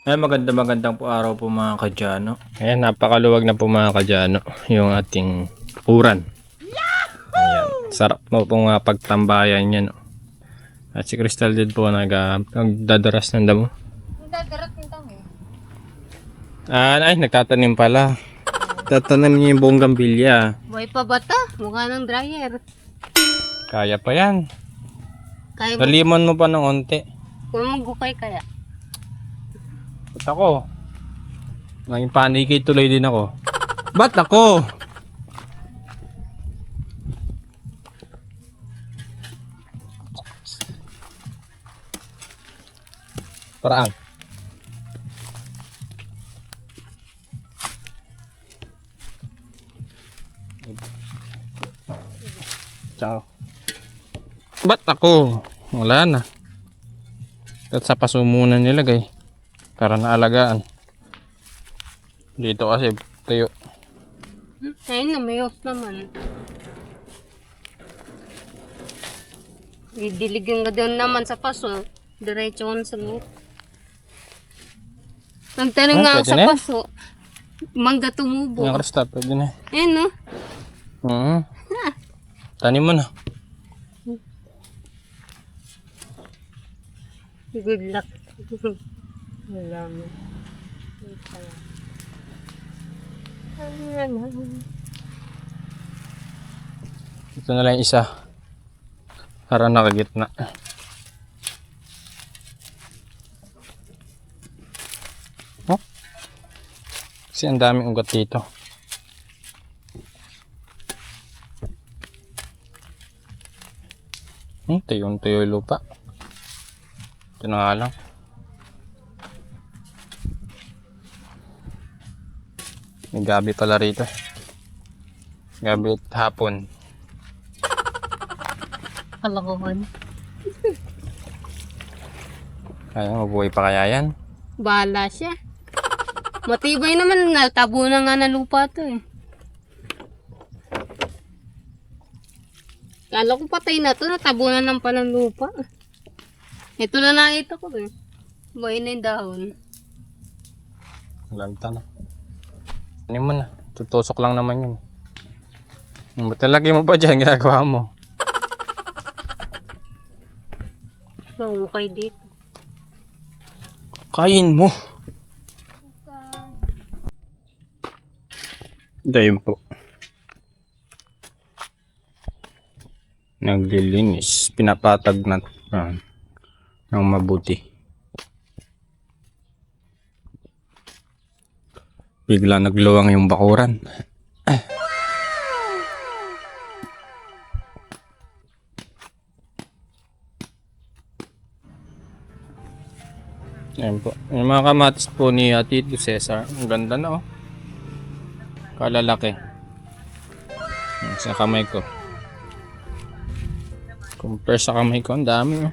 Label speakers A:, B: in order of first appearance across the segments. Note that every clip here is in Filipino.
A: Ay, magandang po araw po mga kadyano. Ayan, napakaluwag na po mga kadyano yung ating uran. Ayan, sarap mo pong pagtambayan yan. No? At si Crystal din po nagdadaras ng damo.
B: Nagdadarat yung tamo.
A: Ay, nagtatanim pala. Tatanim niya yung buong gambilya.
B: Buhay pa ba ta? Mukha ng dryer.
A: Kaya pa yan.
B: Kaya mo,
A: Nalimon mo pa ng onte.
B: kung magukay kaya.
A: Ba't ako? Naging paniki tuloy din ako. Ba't ako? Parang. Ciao. Ba't ako? Wala na. At sa paso muna nilagay. Para naalagaan. Dito kasi tayo.
B: Ayun na, may off naman. Didiligyan ka doon naman sa paso. Diretso ko sa loob. Nagtanong nga ako
A: Pwede
B: sa
A: na yan?
B: paso. Mangga tumubo.
A: Yung Krista, pwede na.
B: Ayun no.
A: Tanim mo na.
B: Good luck. Wala mo.
A: Ito na lang yung isa. Para nakagitna. Oh? Kasi ang daming ugat dito. Tuyo-tuyo yung lupa. Ito na nga lang. May gabi pala rito. Gabi at hapon.
B: Kalokohan.
A: Kaya mabuhay pa kaya yan?
B: Bahala siya. Matibay naman. Natabo na nga na lupa to eh. Kala ko patay na to. Natabo na ng palang lupa. Ito na nakita ko eh. Buhay na yung dahon.
A: Lagta na. Ano mo na? Tutusok lang naman yun. Ba't talagay mo pa dyan? Ginagawa mo.
B: So, okay dito.
A: Kain mo. Dahil po. Naglilinis. Pinapatag na ng mabuti. Bigla nagluwang yung bakuran. Ayan po. Yung mga kamatis po ni Tito Cesar. Ang ganda na oh. Kalalaki. Sa kamay ko. Compare sa kamay ko. Ang dami oh.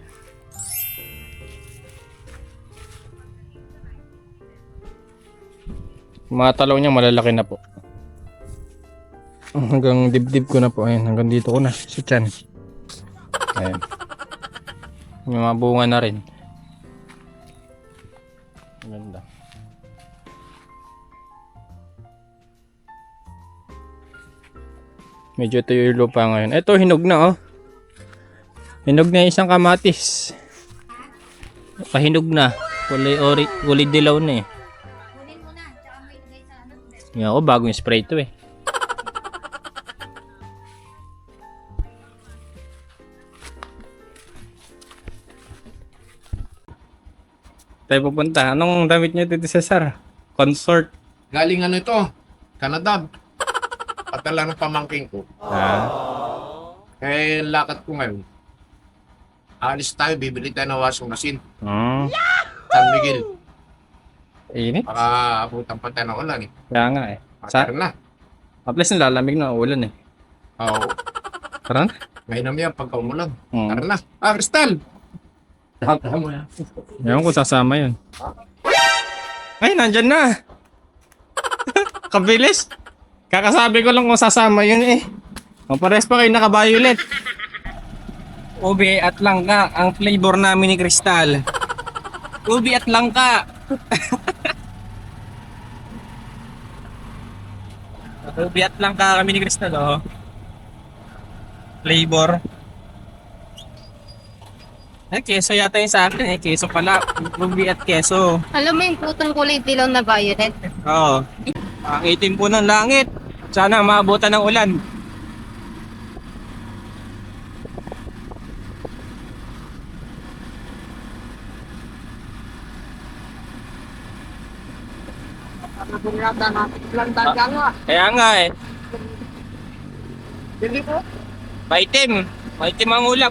A: Mga talaw niya malalaki na po. Hanggang dibdib ko na po. Ayan, hanggang dito ko na. Sa tiyan. Ayan. May mga bunga na rin. Ganda. Medyo tuyo yung lupa ngayon. Ito, hinog na oh. Hinog na yung isang kamatis. Pahinog na. Kulay dilaw na eh. Nga ako, bagong spray ito eh. Tayo pupunta. Anong damit niyo dito, Cesar? Consort.
C: Galing ano ito? Canada. Patala ng pamangking ko. Eh, lakad ko ngayon. Alis tayo, bibili tayo ng washing machine. San Miguel.
A: Init.
C: Baka abutan pa tayo ng ulan eh.
A: Kaya nga eh.
C: Matar na.
A: At least nilalamig na ulan eh.
C: Oo.
A: Tara na.
C: Ngayon na yan, pagka umulan.
A: Hmm.
C: Tara na. Crystal! Tama mo yan.
A: Ewan ko sasama yun. Ay, nandyan na. Kabilis. Kakasabi ko lang kung sasama yun eh. O pares pa kayo naka-violet. Ube at langka ang flavor namin ni Crystal. Ube at langka. Biyat lang ka kami ni Crystal, oh. Flavor. Ay, keso yata yung sa akin eh. Keso pala. Ruby at keso.
B: Alam mo yung putong kulay dilaw na violet?
A: Oo. Ang itim po ng langit. Sana maabutan ng ulan. Kaya nga eh. Maitim. Maitim ang ulap.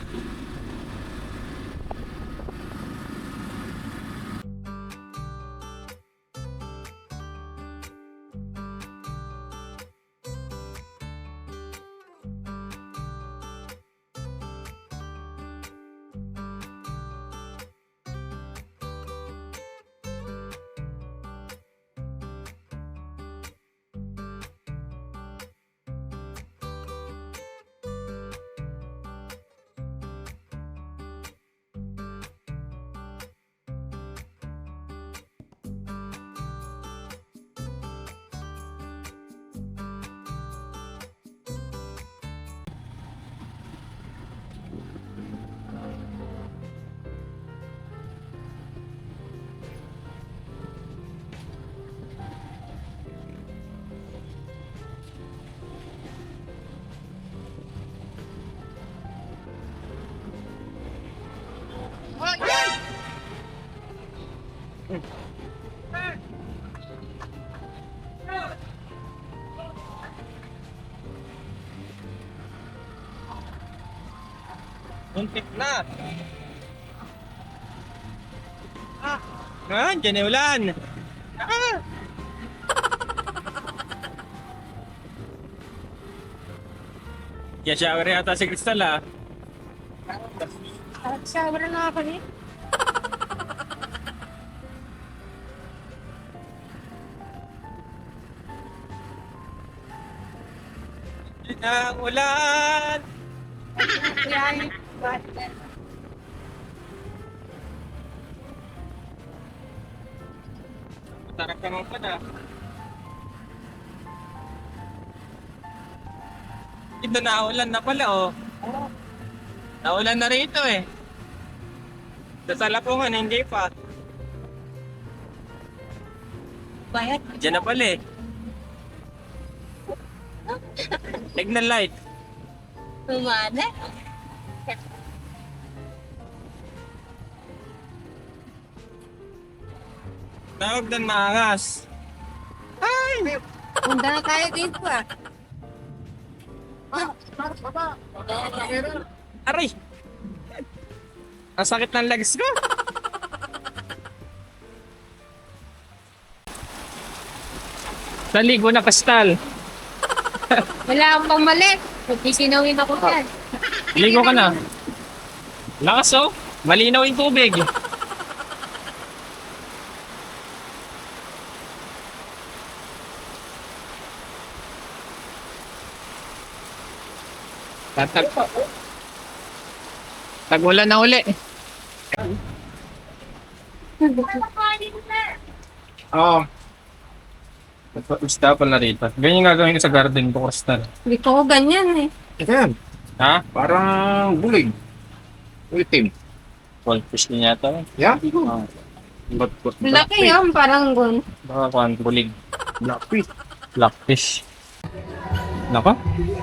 A: Muntik na. Dyan yung ulan. Kaya shower yata si Crystal ah.
B: Shower na ako ni.
A: Dyan ang ulan. Tarap ka naman pala. Ito naulan na pala oh. Naulan na rito eh. Sa Lapungan hindi pa.
B: Bayad.
A: Diyan na pala eh. Signal light.
B: Tumana.
A: Tawag doon maangas.
B: Punta na tayo dito ah.
A: Aray! Ang sakit ng legs ko. Naligo na Crystal.
B: Wala akong pamalit. Magsisinawin ako dyan.
A: Ligo ka na. Lakas oh. Malinaw yung tubig. Tag-ulan na uli. Oo. Gusto pa na rito. Ganyan yung gagawin ko sa garden ko, Crystal.
B: Hindi ko ganyan eh.
C: Yan.
A: Ha?
C: Parang bulig. Itim.
A: Goldfish din yata.
C: Yeah?
B: Laki yun, parang gun.
A: Baka kuhan, bulig.
C: Blackfish.
A: Blackfish. Nako?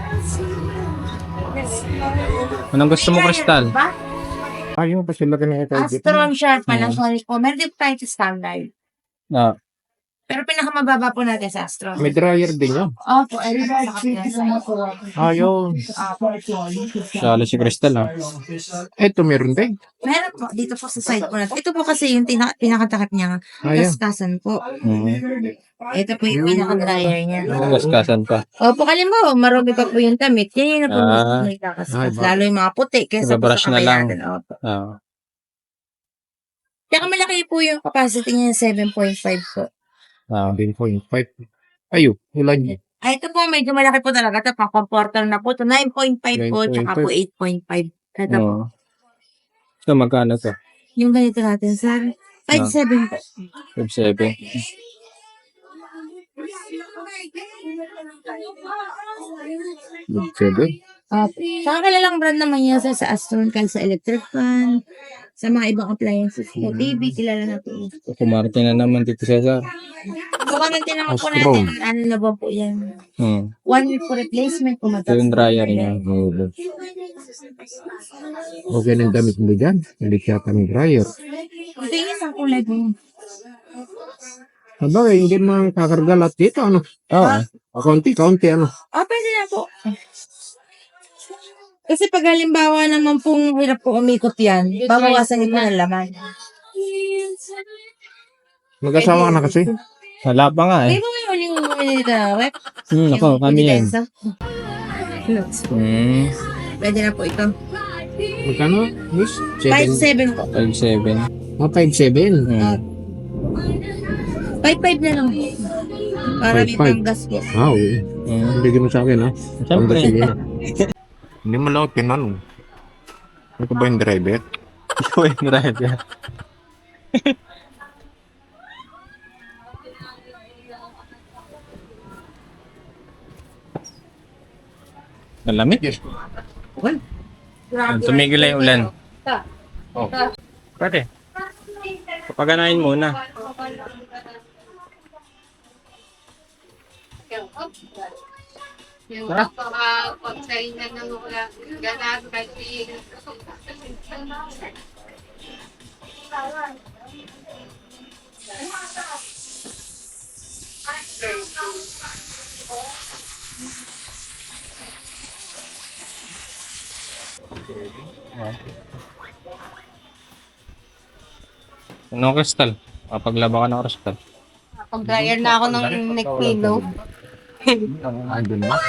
A: Anong gusto mo, Crystal?
C: Ayun pa sila kanina tayo.
D: Astron Sharp pala, sorry po. Meron din tayo sa standard.
A: Ah,
D: Pero pinakamababa po natin sa Astron.
C: May dryer din yun.
D: Opo, everybody sa kapila.
C: Ayun.
A: salo si Crystal ha.
C: Eto meron din.
D: Meron po, dito po sa side po natin. Ito po kasi yung pinakatakip niya.
C: Ayan.
D: Kaskasan po.
A: Mm.
D: Ito po yung pinaka-dryer niya.
A: Gaskasan pa.
D: Opo, kalin mo, marami pa po yung tamit. Yan yung na po
A: Ah.
D: may kakaskas.
C: Ay, ba-
D: Lalo yung mga puti kesa po
A: Ibabrush
D: sa
A: na
D: kamay
A: lang.
D: natin. Opo.
A: Ah.
D: Tsaka malaki po yung capacity niya 7.5 po.
A: Ah.
C: 10.5. Ayun. Ilan yun?
D: Ay, ito po, medyo malaki po talaga. Ito, pang-comporter na po. Ito, 9.5 po, tsaka po 8.5. Ito po.
A: So magkano to?
D: Yung ganito natin, sir. 5.7 po.
A: 5.7.
C: Seven.
D: Saka kilalang brand naman yan sa Astron, kahit sa electric fan, sa mga ibang appliances. Sa TV, kilala na po.
A: Kumarte na naman dito, Cesar.
D: So, kung naman po
C: Astron.
D: natin, ano na ba po yan? 1 week po replacement po
A: Ito yung dryer niya.
C: Okay ng damit mo dyan. Hindi siya kami dryer.
D: Hindi yun ang kulay po.
C: Sabagay, hindi mo kakarga lahat dito, ano?
A: Oo.
C: Kaunti, ano?
D: Pwede na po. Kasi pag halimbawa naman pong hirap po umikot yan, babawasan niyo po ng laman.
C: Mag-asawa ka na kasi.
A: Wala pa nga
D: May
A: eh.
D: bumili dito na web.
A: Ako, kami yan.
D: Pwede na po ito.
C: Magkano, Miss?
D: 5.7 po.
A: 5.7.
C: 5.7.
D: 5.5 na lang po. Para may
C: 5.5.
D: panggas po.
C: Wow. Bigyan mo sa akin, ha?
A: Siyempre.
C: Sige na. Hindi mo lang ako tinanong. Ano ka ba yung driver?
A: Ikaw yung driver. Malamig eh. Tumigil na yung ulan. Oh. Pwede. Papaganahin muna.
B: Yung pagkain na ng wala, ganado kasi.
A: Ano kristal? Papaglaba ka ng kristal.
B: Pag-dryer na ako ng neck pillow.
C: Ay, dun ba?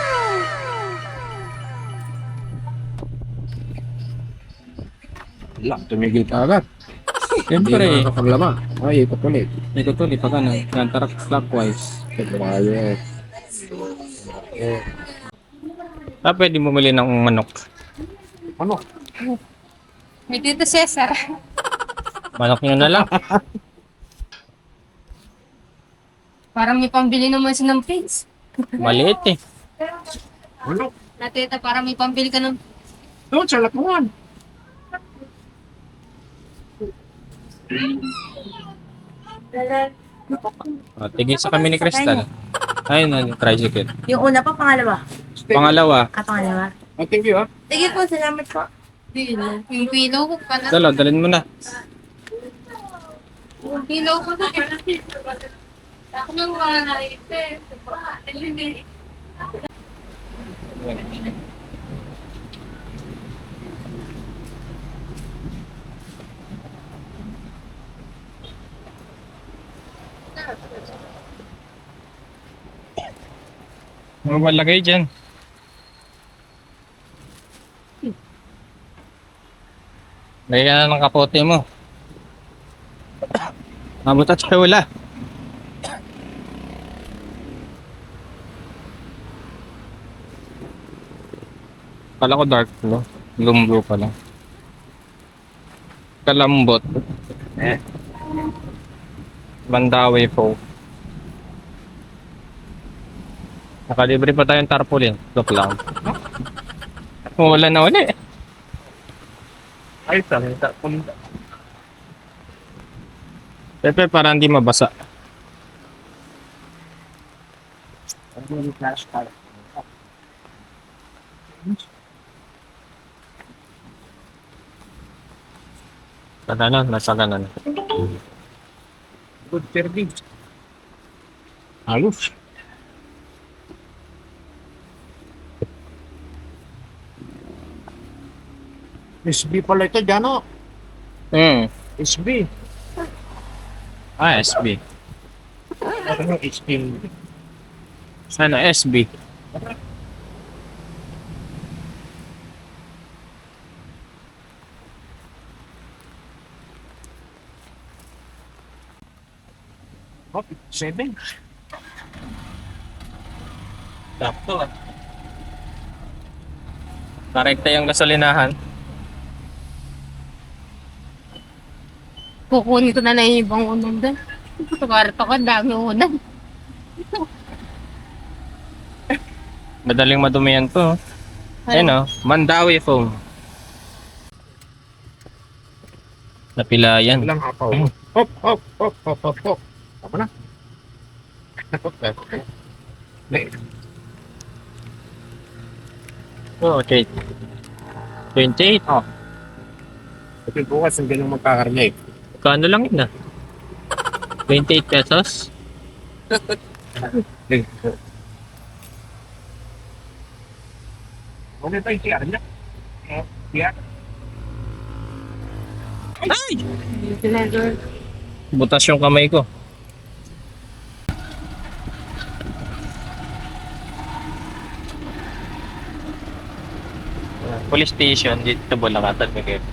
C: Wala, tumigil ka agad.
A: Siyempre.
C: Hindi na nakapaglaba. Ay, ikot ulit.
A: Ikot ulit pag ano, nantarak clockwise.
C: Quiet.
A: Pwede bumili ng manok.
C: Ano?
B: May Tito Cesar.
A: Manok nyo na lang.
B: Parang may pambili naman siya ng pigs.
A: Maliit eh.
C: Ano?
B: Natita, parang may pambili ka ng...
C: Doon sa lapungan.
A: Tigil sa kami ni Crystal. Ayun, tricycle.
D: Yung una pa, pangalawa.
A: Pangalawa,
D: Pangalawa.
C: Oh, thank you, ha?
D: Sige po, salamat po.
B: Yung pillow ko pa na.
A: dalhin mo na.
B: Yung pillow ko na. Ako nang mga naipin.
A: Ano ba lagay dyan? Lagay ka na ng kapote mo. Mabutat sa wala. Kala ko dark blue. Gloom blue pala. Kalambot. Mandawi po. Nakalibre pa tayong tarpaulin. Look lang. Wala na uli. Ay, salita. Pepe, para hindi mabasa. Kaganan, nasa ganan.
C: Good serving. Halos. SB pala ito, Jano. SB.
A: SB.
C: Ano yung SB?
A: Sana SB.
C: Oh, 7.
A: Sakto ah. Narekta yung gasolinahan.
B: Kukunin ko na lang yung ibang unan doon. Tumarat ako, ang dami unan.
A: Madaling madumihan to. Ayun o, Mandawi foam. Napilayan.
C: Ilang apaw. Hop, hop, hop, hop, hop, hop. Tama na.
A: Oh, okay. 28. Oh.
C: Ito bukas ang ganun magkakarnya eh.
A: Kano lang yun 28 pesos?
C: Okay tayo, siya niya. Siya.
A: Ay! Butas yung kamay ko. Police station dito sa Bulacatan, Miguel.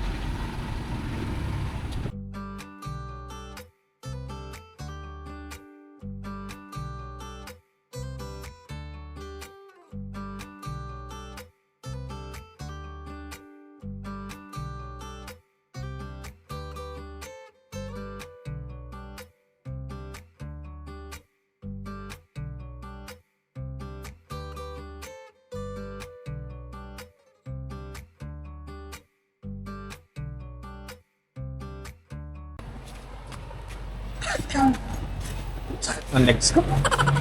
A: Ang legs ko.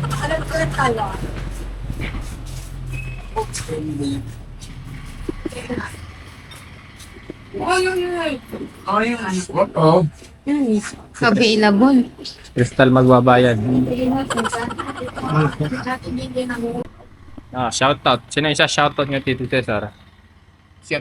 C: Oh.
B: Available.
A: Crystal magbabayad. Ah, shoutout. Sino isa shoutout nyo, Tito Cesar?
C: Siya,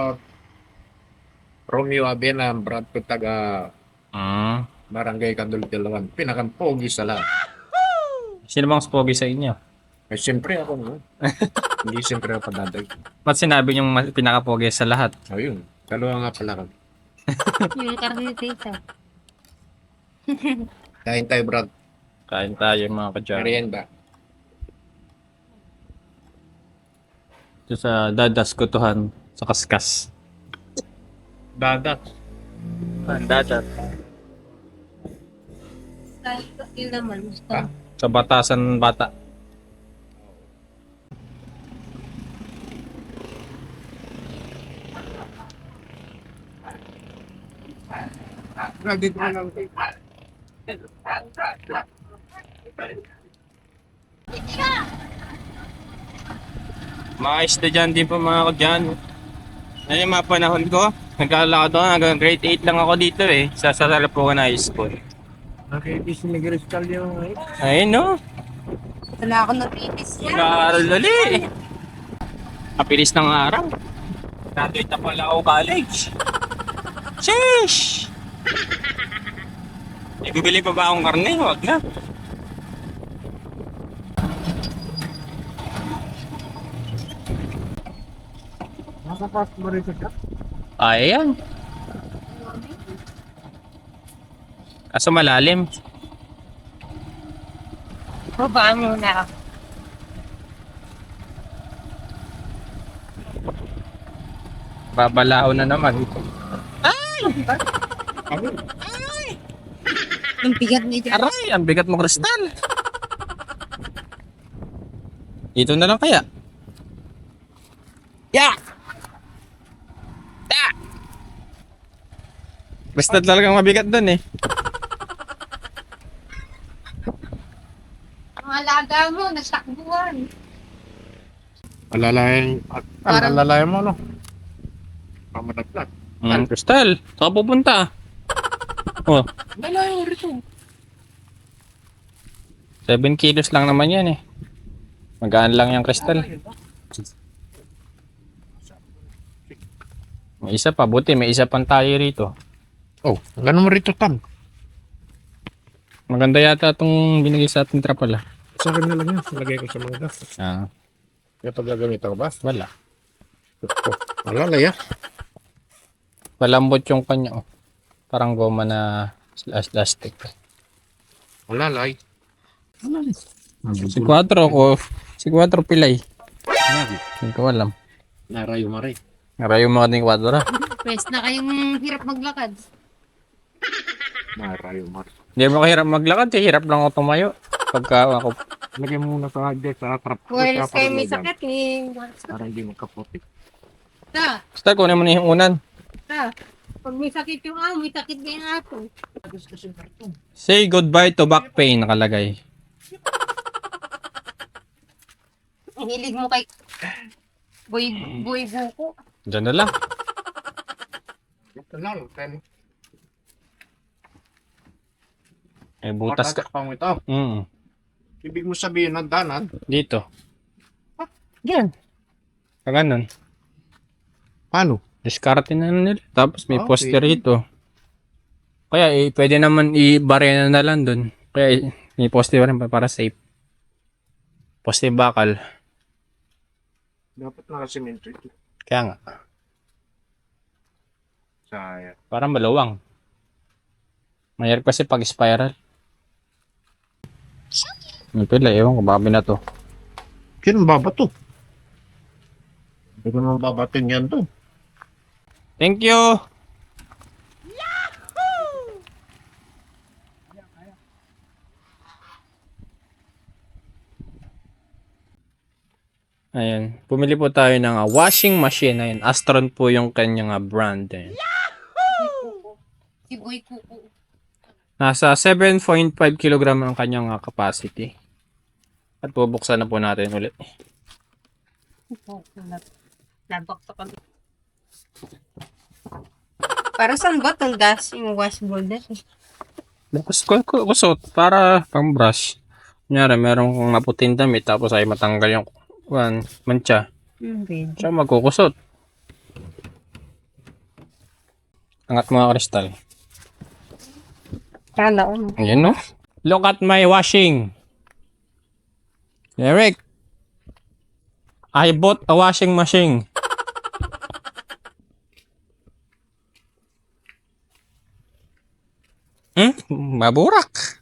C: Romeo Abena, Brad ko taga
A: Hmm.
C: Barangay Kandul-Tilawan. Pinakampogi sa lahat.
A: Sino bang spogi sa inyo?
C: Eh, siyempre ako no. Hindi siyempre ako padadag.
A: Ba't sinabi niyong pinakapogi sa lahat?
C: Ayun. Dalawa nga pala kami.
B: Yung karnitita.
C: Kain tayo, Brad.
A: Kain tayo mga kadyano.
C: Merienda.
A: Ito sa Dadas Kutuhan sa Kaskas.
C: Dadat.
A: Dadat.
B: Yun naman. Gusto.
C: Ha?
A: Sa Batasan Bata.
C: Brad, dito na lang.
A: Mga estudyante po mga kadyano. Ano yung mga panahon ko? Nagkalala ko hanggang grade 8 lang ako dito eh. Sa Sarapuan High School.
C: Nakikis ni Crystal yung
A: Ayun no.
B: Wala ako napitis yan.
A: Nag-aaral ulit. Kapilis ng araw. Graduate na pala ako college. Sheesh! Ibibili pa ba akong karne? Huwag na.
C: Nakapas mo rin siya.
A: Ayan. Kaso malalim.
B: Babaan muna.
A: Babalao na naman.
B: Ang bigat ni Jan.
A: Aray, ang bigat mo, Kristal. Dito na lang kaya. Ya! Ya! Basta talagang mabigat dun eh.
B: Ang alaga mo, nasakbuhan.
C: Alalayan mo, no? Pamataglag.
A: Kristal, saan ka pupunta? Oh,
C: Alalayan mo rito.
A: 7 kilos lang naman yan eh. Magaan lang yung Kristal. May isa pa, buti may isa pang tayo rito.
C: Oh, ganun mo rito, Tan.
A: Maganda yata itong binigay sa ating trapal ah.
C: Sa akin na lang yan. Lagay ko sa mga gas.
A: Ah,
C: Kaya pag gagamit ako ba?
A: wala.
C: Oh, alalaya.
A: Malambot yung kanya oh. Parang goma na plastic.
C: Alalay.
A: Si Quattro ko, si Quattro pilay. Hindi ko alam.
C: Narayo mo rin.
A: Ngarayo mo ka ni Quattro.
B: Pwes na kayong hirap maglakad.
C: Marayo, Mar.
A: Hindi mo kahirap maglakad, eh. Hirap lang ako tumayo. Pagka ako,
C: Lagyan mo muna sa harddisk sa trap.
B: Wireless kayo may sakit ni...
C: Para hindi magkaputik.
B: Ta,
A: basta kunin mo na yung unan.
B: ta. Pag may sakit yung may sakit din yung aso.
A: Say goodbye to back pain, nakalagay.
B: Ang hilig mo kay... Boy buko.
A: Diyan na lang.
C: Ito lang, 10.
A: Eh, butas ka.
C: Matatak pa mo ito. Ibig mo sabihin ng danan.
A: Dito.
B: Yan.
A: Kaganon.
C: Paano?
A: Diskarte na nila. Tapos may
C: Okay.
A: poster ito. Kaya pwede naman i-barena na lang dun. Kaya may poster rin para safe. Poster bakal.
C: Dapat nakasimento ito.
A: Kaya nga.
C: Sayang.
A: Parang maluwang. Mayroon kasi pag spiral. Yung pila, ewan ko, babi na to.
C: Sino babato? Hindi ko naman babatin yan to.
A: Thank you! Ayan. Pumili po tayo ng washing machine. Ayan. Astron po yung kanyang brand. Ayan.
B: Si Boy Kuko.
A: Nasa 7.5 kg ang kanyang capacity. At bubuksan na po natin ulit.
B: Labak sa kami. Para saan ba itong gas yung washboard na?
A: Tapos kusot para pang brush. Kunyari, meron kong naputing damit tapos ay matanggal yung mancha. Siya magkukusot. Angat mo nga kristal.
B: Kala ko.
A: Ayan no. Look at my washing. Eric. I bought a washing machine. Maburak.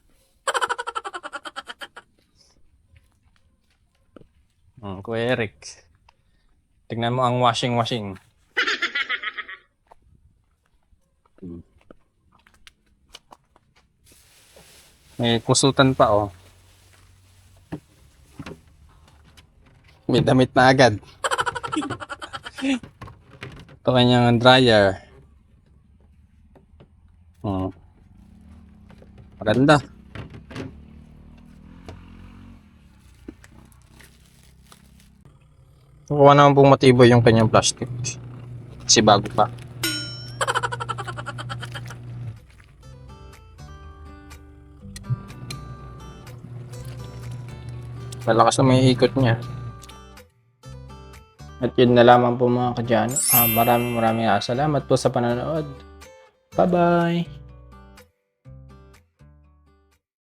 A: Kuya Eric. Tignan mo ang washing. May kusutan pa oh. May damit na agad. Ito kanyang dryer. Maganda. Kuha naman pong matibay yung kanyang plastic. Kasi bago pa. Malakas na may ikot niya. At yun na lamang po mga kadyano. Maraming salamat po sa panonood. Bye-bye!